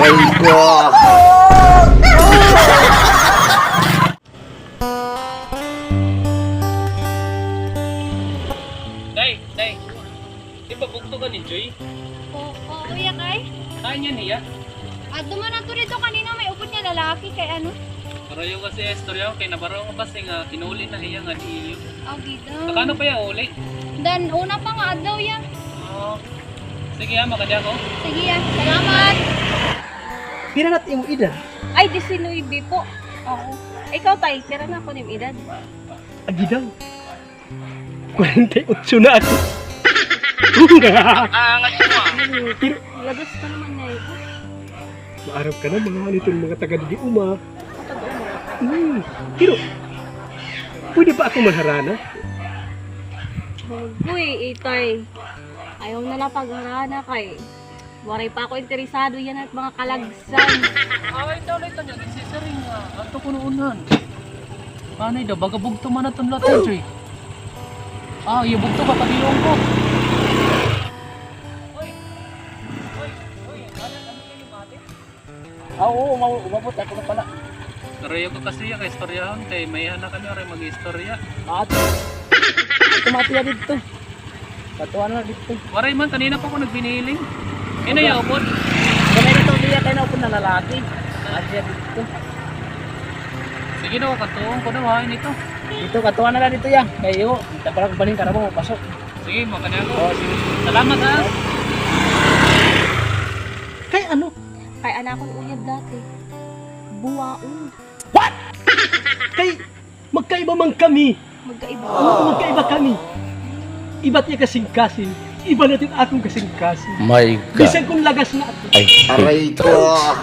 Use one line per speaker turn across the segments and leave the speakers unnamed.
Aray ko!
Day, di ba bugto ka ni Joy?
Oo, iya kay.
Kanya niya.
At duman na to dito kanina may upot niya lalaki kay ano?
Pero yung kasi istorya kay nabaro ko kasi nga kinuli na iya nga di iyo.
Oh, dito.
Nakano pa yung uli?
Dan una pa nga adlaw yan.
Oo. Sige ha, makadya ko.
Sige yan, salamat.
Pira na't imong edad?
Ay, 19 po. Oo. Ikaw tay, tira na ako ning edad.
Agi daw. 48 na ako.
Angat mo ah.
Pero
Labas ka naman na ito.
maarap ka na mga mga taga di uma. Pero pwede ba ako manharana?
Uy, itay. Ayaw na lang pagharana kay. Waray pa ako interesado yan at mga kalagsan.
Ay, ulit niya. Nagsisaring nga. Ato ko noonan. Panay daw, baga bugto man na itong lahat, Joy. Ah, iya bugto ka, pagilong ko.
Oo, umabot ako na pala.
Pero yung ko kasi yung kaistoryahan kay may na kami rin mag-istorya.
At tumatiya dito. Patuan na dito.
Waray man, kanina pa ako nagbiniling. Ina yung upod.
Kaya dito diya tayo na po na lalaki. At diya dito.
Sige daw, katuong ko daw ha, nito.
Dito katuan na lang dito ya. Kayo, dapat baling ka na mo pasok.
Sige, makanya ko.
Oh, sige.
Salamat ha.
Kay ano?
Kay anak kong uyab dati. Buwaon.
Kay magkaiba man kami.
Magkaiba.
Magkaiba kami. Iba't niya kasing-kasing. Iba natin akong kasing-kasing.
My God!
Bisan kung lagas na ako.
Aray ko!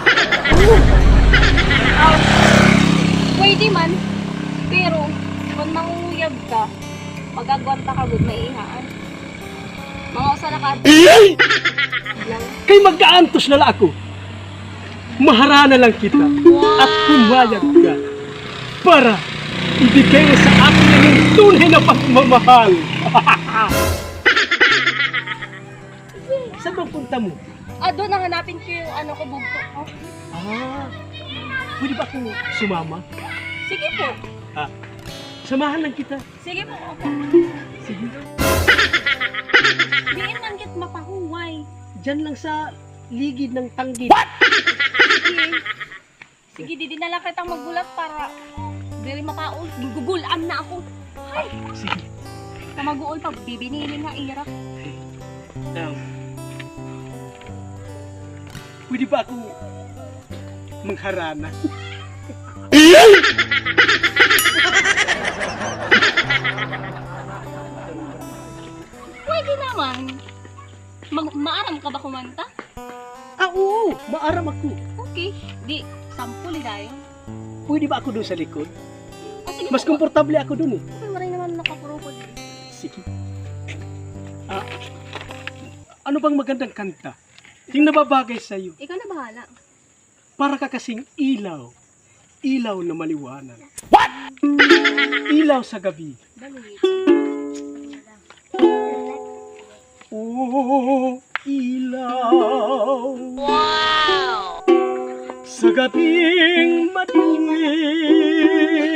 Pwede man. Pero, kung manguyab ka, magagwanta ka good may ihaan. Mga usa na ka. Lang.
Kay magkaantos na lang ako. Maharana lang kita at pumayag ka para ibigay mo sa akin yung tunay na pagmamahal. Saan bang punta mo?
Doon hanapin ko yung ano ko bugto ko.
Pwede ba akong sumama?
Sige po.
Samahan lang kita.
Sige po. Okay.
Sige.
Diin man kit mapahuway.
Diyan lang sa ligid ng tanggit.
Sige. Sige, di na lang kitang magulat para dili mapaul. Gugugulan na ako. Ay,
Sige.
sa maguol pag bibinilin na ira.
Pwede ba ako mangharana?
Pwede naman. Maaram ka ba kumanta?
Oo, maaram ako.
Okay. Di, sampuli tayo.
Pwede ba ako doon sa likod?
Sige
Mas
po.
komportable ako doon eh.
Okay, maray naman nakapuro ko dito.
Sige. Ano bang magandang kanta? Yung nababagay sa'yo.
Ikaw na bahala.
Para ka kasing ilaw. Ilaw na maliwanag. What? Ilaw sa gabi.
Dali.
Oh, ilaw. Wow! Sa gabing madilim.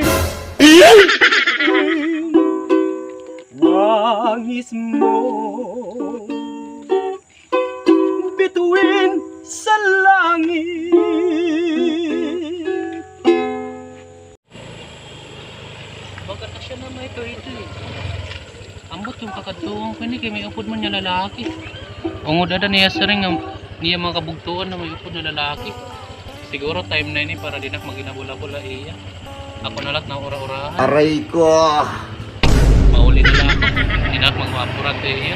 Wangis mo bituin sa langit.
Baga na siya na may ito eh. Ambot yung kakatuong ko ni kay may upod man niya lalaki. Ungod ada niya sa ring niya mga kabugtuan na may upod na lalaki. Siguro time na ini para dinak maginabula-bula iya. Ako na lang na ura-urahan.
Aray ko!
Mauli na lang ako. Dinak magwapurat iya.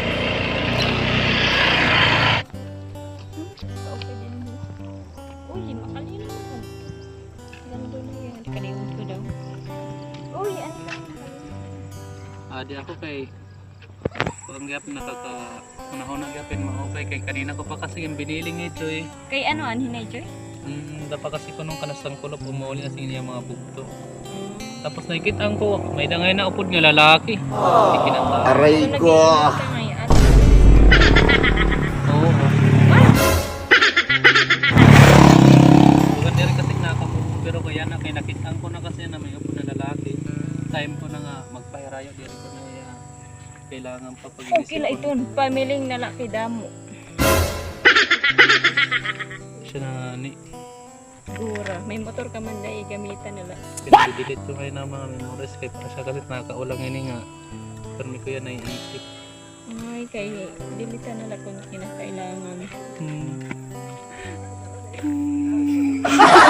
Okay din mo. Uy, makalino naman. Alam mo na yan. Kaliwan ko daw. Uy, ano ka?
Di ako kay ang gap panahon na gapin mo kay kanina ko pa kasi yung biniling ito eh.
Kay ano, Joy?
Dapa kasi ko nung kanastang kulop umuli na siya mga bugto. Tapos nakikita ko may dangay na upod nga lalaki. Hindi kinanta.
Aray ko!
Oo. niya na may upod na lalaki. Time ko na nga magpairayo diri ko na kailangan pa pag-iisip.
Okay la ito, pamiling nalaki damo.
Siya na ni
Gura, may motor ka man dahil gamitan nila.
pinag-delete ko ngayon ng mga memories kay para siya kasi nakaulang ini nga. Pero may kuya naiisip.
Ay, kay dilitan nila kung kinakailangan.
Hmm.